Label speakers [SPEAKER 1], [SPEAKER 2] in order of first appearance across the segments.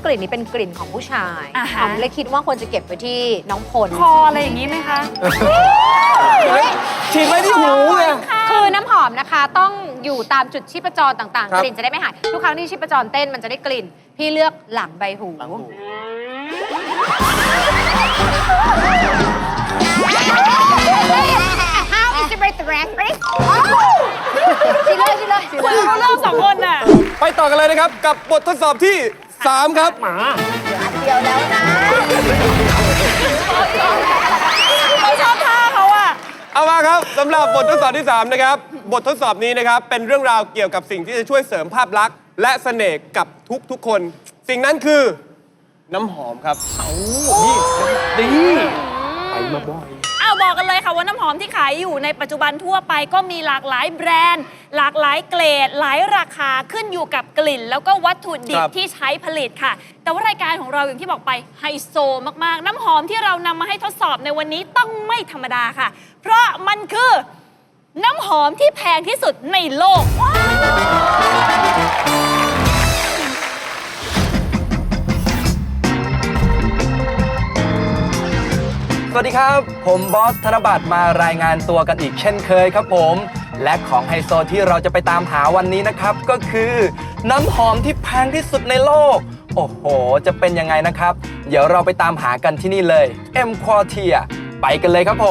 [SPEAKER 1] กลิ่นนี้เป็นกลิ่นของผู้ชาย
[SPEAKER 2] อ่าฮะ
[SPEAKER 1] หอมเลยคิดว่าควรจะเก็บไว้ที่น้องพล
[SPEAKER 2] คออะไรอย่างนี้ไหมคะ
[SPEAKER 3] ฉีดไว้ที่หูไง
[SPEAKER 1] คือน้ำหอมนะคะต้องอยู่ตามจุดชีพจรต่าง
[SPEAKER 3] ครั
[SPEAKER 1] ๆ
[SPEAKER 3] บ
[SPEAKER 1] กลิ่นจะได้ไม่หายทุกครั้งที่ชีพจรเต้นมันจะได้กลิ่น พี่เลือกหลังใบหู How is the breath right ชิเลยชิเลยชิ
[SPEAKER 2] คุ
[SPEAKER 1] เล
[SPEAKER 2] ณ
[SPEAKER 1] ย
[SPEAKER 2] รู้เรื่องสองคนน่ะ
[SPEAKER 3] ไปต่อกันเลยนะครับ กับบททดสอบที่ 3 ครับ
[SPEAKER 1] เดียวแล้วนะ
[SPEAKER 2] เราชอบท่าเขาอะ
[SPEAKER 3] เอามาครับสำหรับบททดสอบที่ 3 นะครับ บททดสอบนี้นะครับ เป็นเรื่องราวเกี่ยวกับสิ่งที่จะช่วยเสริมภาพลักษณ์และเสน่ห์กับทุกคน สิ่งนั้นคือน้ำหอมครับ
[SPEAKER 2] อ้าวบอกกันเลยค่ะว่าน้ำหอมที่ขายอยู่ในปัจจุบันทั่วไปก็มีหลากหลายแบรนด์ หลากหลายเกรด หลายราคาขึ้นอยู่กับกลิ่น แล้วก็วัตถุดิ
[SPEAKER 3] ครับ บ
[SPEAKER 2] ที่ใช้ผลิตค่ะ แต่ว่ารายการของเราอย่างที่บอกไปไฮโซมากๆ น้ำหอมที่เรานำมาให้ทดสอบในวันนี้ต้องไม่ธรรมดาค่ะ เพราะมันคือน้ำหอมที่แพงที่สุดในโลก
[SPEAKER 4] สวัสดีครับ ผมบอสธนบัตรมารายงานตัวกันอีกเช่นเคยครับผม และของไฮโซที่เราจะไปตามหาวันนี้นะครับ ก็คือ น้ำหอมที่แพงที่สุดในโลก โอ้โห จะเป็นยังไงนะครับ เดี๋ยวเราไปตามหากันที่นี่เลย M Quartier ไปกันเลยครับผม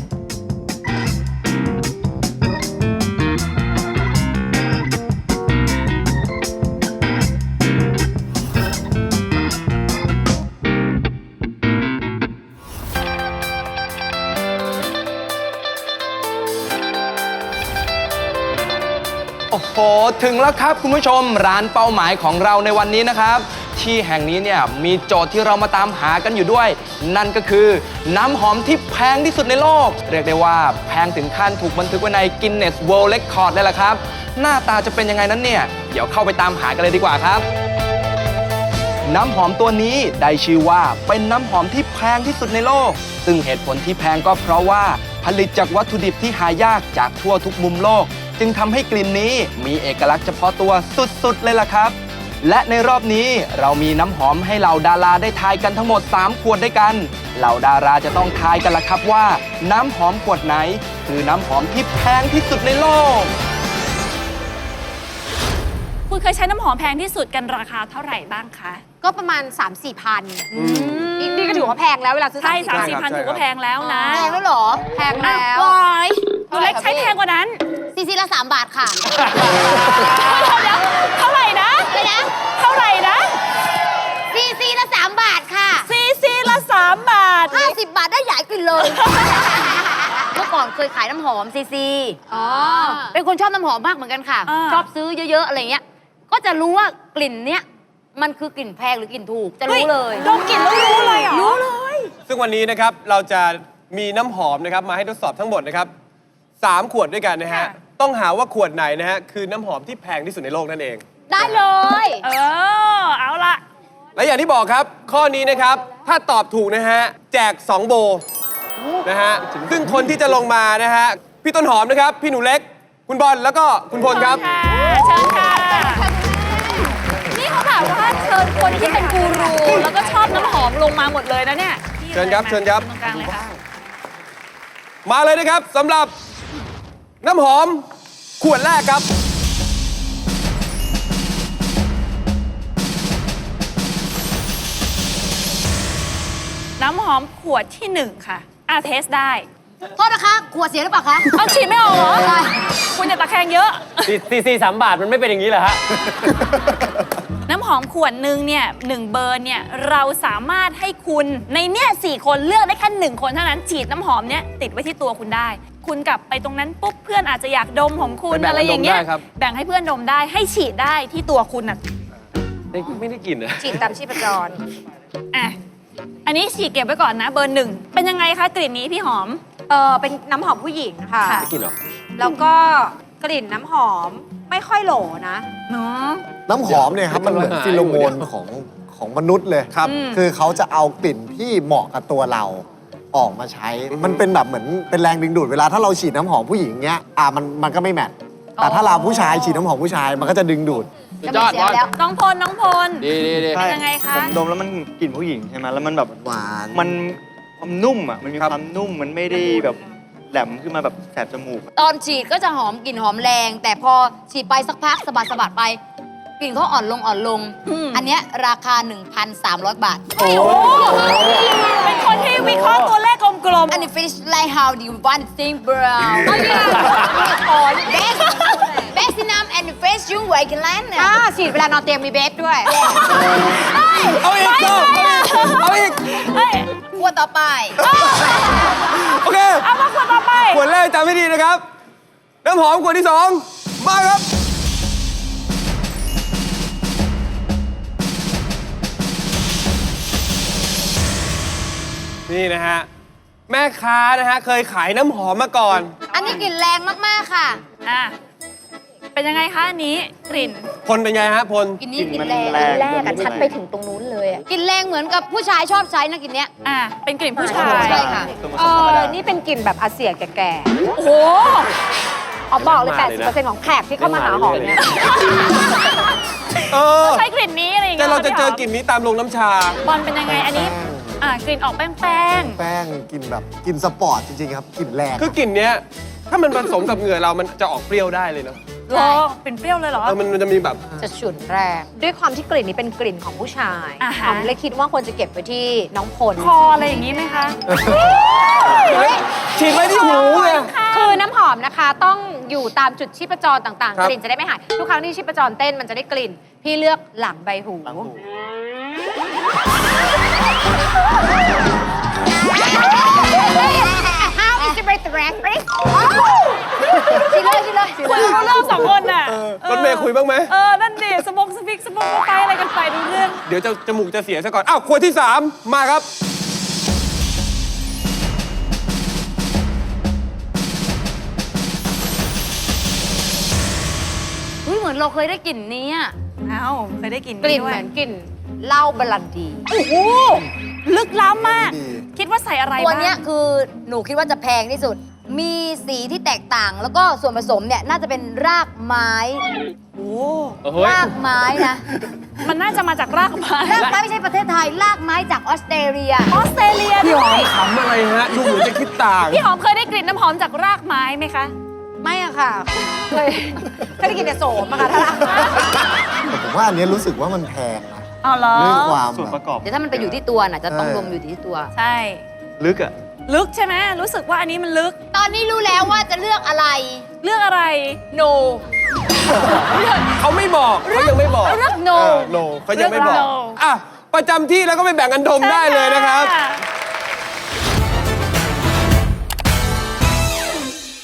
[SPEAKER 4] โอ้โห ถึงแล้วครับคุณผู้ชมร้านเป้าหมายของเราในวันนี้นะครับ ที่แห่งนี้เนี่ยมีโจทย์ที่เรามาตามหากันอยู่ด้วย นั่นก็คือน้ำหอมที่แพงที่สุดในโลก เรียกได้ว่าแพงถึงขั้นถูกบันทึกไว้ใน Guinness World Record เลยล่ะครับ หน้าตาจะเป็นยังไงนั้นเนี่ยเดี๋ยวเข้าไปตามหากันเลยดีกว่าครับ น้ำหอมตัวนี้ได้ชื่อว่าเป็นน้ำหอมที่แพงที่สุดในโลก ซึ่งเหตุผลที่แพงก็เพราะว่าผลิตจากวัตถุดิบที่หายากจากทั่วทุกมุมโลก จึงทำให้กลิ่นนี้มีเอกลักษณ์เฉพาะตัวสุดๆเลยล่ะครับ และในรอบนี้เรามีน้ำหอมให้เหล่าดาราได้ทายกันทั้งหมด 3 ขวดด้วยกัน เหล่าดาราจะต้องทายกันล่ะครับว่า น้ำหอมขวดไหน คือน้ำหอมที่แพงที่สุดในโลก
[SPEAKER 2] คุณเคยใช้น้ำหอมแพงที่สุดกันราคาเท่าไหร่บ้างคะ
[SPEAKER 1] ก็ประมาณ 3-4 พันนี่ก็ถือว่าแพงแล้วเวลาซื้อ
[SPEAKER 2] ใช่
[SPEAKER 1] 3-4
[SPEAKER 2] 3-4 พันถือว่าแพงแล้วนะ
[SPEAKER 1] แพงแล้วเหรอ แพง
[SPEAKER 2] อ้า
[SPEAKER 1] แล้ว
[SPEAKER 2] ววายหนูเล็กใช้แพงกว่านั้น
[SPEAKER 1] ซีซีละ3 บาทค่ะ
[SPEAKER 2] เดี๋ยวเท่าไหร่นะ
[SPEAKER 1] เลยนะ
[SPEAKER 2] เท่าไหร่นะ
[SPEAKER 1] ซีซีละ3 บาทค่ะ
[SPEAKER 2] ซีซีละ3 บาท
[SPEAKER 1] 50 บาทได้ใหญ่กินเลย เมื่อก่อนเคยขายน้ำหอมซีซีเป็นคนชอบน้ำหอมมากเหมือนกันค่ะ
[SPEAKER 2] อ่า
[SPEAKER 1] ชอบซื้อเยอะๆอะไรเงี้ย ก็จะรู้ว่ากลิ่นเนี้ยมันคือกลิ่นแพงหรือกลิ่นถูก จะรู้เลย
[SPEAKER 2] ดมกลิ่นแล้วรู้เลยเหรอ
[SPEAKER 1] รู้เลย
[SPEAKER 3] ซึ่งวันนี้นะครับเราจะมีน้ำหอมนะครับมาให้ทดสอบทั้งหมดนะครับ3 ขวดด้วยกันนะฮะ ต้องหาว่าขวดไหนนะฮะคือน้ำหอมที่แพงที่สุดในโลกนั่นเอง
[SPEAKER 1] ได้เลย
[SPEAKER 2] เอาละ
[SPEAKER 3] และอย่างที่บอกครับ ข้อนี้นะครับ ถ้าตอบถูกนะฮะ แจก 2 โบนะฮะ ซึ่งคนที่จะลงมานะฮะ พี่ต้นหอมนะครับ พี่หนูเล็ก คุณบอล แล้วก็คุณพลครับ
[SPEAKER 2] เชิญค่ะ นี่เขาแบบว่าเชิญคนที่เป็นกูรู แล้วก็ชอบน้ำหอมลงมาหมดเลยนะเนี่ย
[SPEAKER 3] เชิญครับเชิญครับ
[SPEAKER 2] ตรงกลางเลยค่ะ
[SPEAKER 3] มาเลยนะครับสำหรับน้ำหอมขวดแรกครับ
[SPEAKER 2] น้ำหอมขวดที่ 1 ค่ะเทสได้
[SPEAKER 1] โทษนะคะ ขวดเสียหรือเปล่าคะ
[SPEAKER 2] เอาฉีดไม่ออกเหรอ คุณอย่าตะแคงเยอะ
[SPEAKER 5] ซี3 บาทมันไม่เป็นอย่างนี้เหรอฮะ
[SPEAKER 2] น้ำหอมขวดหนึ่งเนี่ย1 เบอร์เนี่ยเราสามารถให้คุณในเนี่ย4 คนเลือกได้แค่1 คนเท่านั้นฉีดน้ำหอมเนี่ยติดไว้ที่ตัวคุณได้ คุณกลับไปตรงนั้นปุ๊บเพื่อนอาจจะอยากดมของคุณ
[SPEAKER 3] ไปแบ่ง
[SPEAKER 2] อะไรอย่างเงี้ย
[SPEAKER 3] ดมได้ครับ
[SPEAKER 2] แบ่งให้เพื่อนดมได้ให้ฉีดได้ที่ตัวคุณอ่ะ
[SPEAKER 5] ไม่ได้กลิ่นนะ
[SPEAKER 1] ฉีดตามชีพจร
[SPEAKER 2] อ่ะอันนี้ฉีดเก็บไว้ก่อนนะเบอร์ 1เป็นยังไงคะกลิ่นนี้พี่หอม
[SPEAKER 1] เป็นน้ำหอมผู้หญิงค่ะ
[SPEAKER 2] ค่ะ
[SPEAKER 5] ไม่กลิ่นหรอ
[SPEAKER 1] แล้วก็กลิ่นน้ำหอมไม่ค่อยโหลนะ
[SPEAKER 2] เนาะ
[SPEAKER 6] น้ำหอมเนี่ยครับมันเหมือนฟิโลโมนของมนุษย์เลย
[SPEAKER 3] ครับ
[SPEAKER 6] คือเขาจะเอากลิ่นที่เหมาะกับตัวเราออกมาใช้ มันเป็นแบบเหมือนเป็นแรงดึงดูดเวลาถ้าเราฉีดน้ำหอมผู้หญิงเงี้ยมันก็ไม่แมทแต่ถ้าเราผู้ชายฉีดน้ำหอมผู้ชายมันก็จะดึงดูด
[SPEAKER 1] จะมีเสียงแล้ว
[SPEAKER 2] น้องพล น้องพล
[SPEAKER 5] ดีดีดี
[SPEAKER 2] เป็นยังไงคะ
[SPEAKER 7] ผมดมแล้วมันกลิ่นผู้หญิงใช่ไหมแล้วมันแบบ
[SPEAKER 6] หวาน
[SPEAKER 7] มันความนุ่มอ่ะ มันมีความนุ่ม มันไม่ได้แบบแหลมขึ้นมาแบบแสบจมูก
[SPEAKER 1] ตอนฉีดก็จะหอมกลิ่นหอมแรง แต่พอฉีดไปสักพักสะบัดสะบัดไป กลิ่นเขาอ่อนลงอ่อนลง อันเนี้ยราคา 1,300 บาท
[SPEAKER 2] เป็นคนที่วิเคราะห์ตัวเลขกลม
[SPEAKER 1] อันนี้ finish like how do you want to think bro อ๋อ best in arm and face you w a k e land ฉีดเวลานอนเตียงมีเบสด้วย
[SPEAKER 3] เอาอีกเอาอีก
[SPEAKER 2] ๆเฮ้ย
[SPEAKER 1] ขวดต่อไป
[SPEAKER 3] โอเค
[SPEAKER 2] เอามาขวดต่อไป
[SPEAKER 3] ขวดแรกจำให้ดีนะครับ น้ำหอมขวดที่ 2 มาครับ นี่นะฮะ แม่ค้านะฮะ เคยขายน้ำหอมมาก่อน
[SPEAKER 1] อันนี้กลิ่นแรงมาก ๆ ค่ะ
[SPEAKER 2] อ่ะ เป็นยังไงคะอันนี้กลิ่น
[SPEAKER 3] พลเป็นไงฮะพล
[SPEAKER 1] กลิ่นนี้
[SPEAKER 7] กลิ่
[SPEAKER 1] กลิ่
[SPEAKER 7] น
[SPEAKER 1] น
[SPEAKER 7] มัน
[SPEAKER 1] แรง
[SPEAKER 7] แรง
[SPEAKER 1] แรกอะชัดไปถึงตรงนู้นเลยอะกลิ่นแรงเหมือนกับผู้ชายชอบใช้นะกลิ่นเนี้ย
[SPEAKER 2] อ่ะ เป็นกลิ่นผู้ชาย
[SPEAKER 1] ใช่ค่ะ
[SPEAKER 8] นี่เป็นกลิ่นแบบอาเซียแก่
[SPEAKER 2] โอ้โห
[SPEAKER 8] ๆอ๋อบอกเลย 80%ของแขกที่เข้ามาหาหอมเนี่ย
[SPEAKER 3] เออ
[SPEAKER 2] ใช้กลิ่นนี้อะไรอย่าง
[SPEAKER 3] แต่
[SPEAKER 2] เงี้ย
[SPEAKER 3] เราจะเจอ
[SPEAKER 2] พี่หม
[SPEAKER 3] กลิ่นนี้ตามโรงน้ำชา
[SPEAKER 2] บอลเป็นยังไง อันนี้ อ่ะ กลิ่นออกแป้ง
[SPEAKER 6] แป้งกลินแบบกลินสปอร์ตจริงๆครับกลินแรง
[SPEAKER 3] คือกลิ่นเนี้ย ถ้ามันผสมกับเหงื่อเรา มันจะออกเปรี้ยวได้เลยเนาะ
[SPEAKER 2] ๆรอเป็นเปรี้ยวเลยเหรอ
[SPEAKER 3] มันจะมีแบบ
[SPEAKER 8] จะฉุนแรง ด้วยความที่กลิ่นนี้เป็นกลิ่นของผู้ชาย
[SPEAKER 2] อ่าฮะ
[SPEAKER 8] หอมเลยคิดว่าควรจะเก็บไว้ที่น้องพล
[SPEAKER 2] คออะไรอย่างนี้ไหมคะ
[SPEAKER 3] ฉีดไว้ที่หูไง
[SPEAKER 8] คือน้ำหอมนะคะต้องอยู่ตามจุดชีพจรต่าง
[SPEAKER 3] ครั
[SPEAKER 8] ๆ
[SPEAKER 3] บ
[SPEAKER 8] กลิ่นจะได้ไม่หาย ทุกครั้งที่ชีพจรเต้นมันจะได้กลิ่น พี่เลือกหลังใบหู
[SPEAKER 1] How is the breath right ฉีดเลยฉีดเลยฉีด
[SPEAKER 2] คุ
[SPEAKER 1] เลย ย
[SPEAKER 2] รู้เรื่องสองคนน่ะ
[SPEAKER 3] รถเมย์คุยบ้างไหม
[SPEAKER 2] นั่นดิสมองสปิกสมองไปอะไรกันไปดูเรื่อง
[SPEAKER 3] เดี๋ยวจะจมูกจะเสียซะก่อน อ้าว ขวดที่ 3 มาครับ
[SPEAKER 1] อุ๊ยเหมือนเราเคยได้กลิ่นนี้อะ
[SPEAKER 2] เอ้าเคยได้กลิ่น
[SPEAKER 8] กลิ่น
[SPEAKER 2] ด้
[SPEAKER 8] เห
[SPEAKER 2] วย
[SPEAKER 8] มือนกลิ่นเหล้าบรันดี
[SPEAKER 2] โอ้โหลึกล้ำมาก
[SPEAKER 6] ดี
[SPEAKER 2] คิดว่าใส่อะไร
[SPEAKER 1] ตัว
[SPEAKER 2] บ้าง
[SPEAKER 1] เนี้ยคือหนูคิดว่าจะแพงที่สุด มีสีที่แตกต่าง แล้วก็ส่วนผสมเนี่ยน่าจะเป็นรากไม้
[SPEAKER 2] โอ้
[SPEAKER 5] โอ้โห
[SPEAKER 1] รากไม้นะ
[SPEAKER 2] มันน่าจะมาจากรากไม้
[SPEAKER 1] รากไม้ไม่ใช่ประเทศไทย รากไม้จากออสเตรเลีย
[SPEAKER 2] ออสเตรเลีย
[SPEAKER 3] พี่
[SPEAKER 2] ด้
[SPEAKER 3] ห
[SPEAKER 2] ว
[SPEAKER 3] อม
[SPEAKER 2] ย
[SPEAKER 3] ขำอะไรฮะ ดูเหมือนจะคิดต่าง
[SPEAKER 2] พี่หอมเคยได้กลิ่นน้ำหอมจากรากไม้ไหมคะ
[SPEAKER 8] ไม่อะค่ะ เคยได้กินแต่โสมอะค่ะถ้ารัก
[SPEAKER 6] แต่ผมว่าอันเนี้ยรู้สึกว่ามันแพงนะ
[SPEAKER 2] เอาเหรอ
[SPEAKER 6] เรื่องความ
[SPEAKER 7] ส่วน
[SPEAKER 6] แบ
[SPEAKER 7] ป
[SPEAKER 6] บ
[SPEAKER 7] ระกอบ
[SPEAKER 1] เดี๋ยวถ้ามันไปอยู่ที่ตัวน่ะจะต้อง
[SPEAKER 6] ใช่
[SPEAKER 1] รวมอยู่ที่ตัว
[SPEAKER 2] ใช่
[SPEAKER 7] ลึกอ่ะ
[SPEAKER 2] ลึกใช่ไหมรู้สึกว่าอันนี้มันลึก
[SPEAKER 1] ตอนนี้รู้แล้วว่าจะเลือกอะไร
[SPEAKER 2] เรื่องอะไร
[SPEAKER 1] no
[SPEAKER 3] เขาไม่บอกเขายังไม่บอก
[SPEAKER 1] เลือก no
[SPEAKER 3] โนเขายังไม่บอก
[SPEAKER 2] เลือก no
[SPEAKER 3] อ่ะ ประจำที่แล้วก็ไปแบ่งกันดมได้เลยนะครับ
[SPEAKER 2] ใช่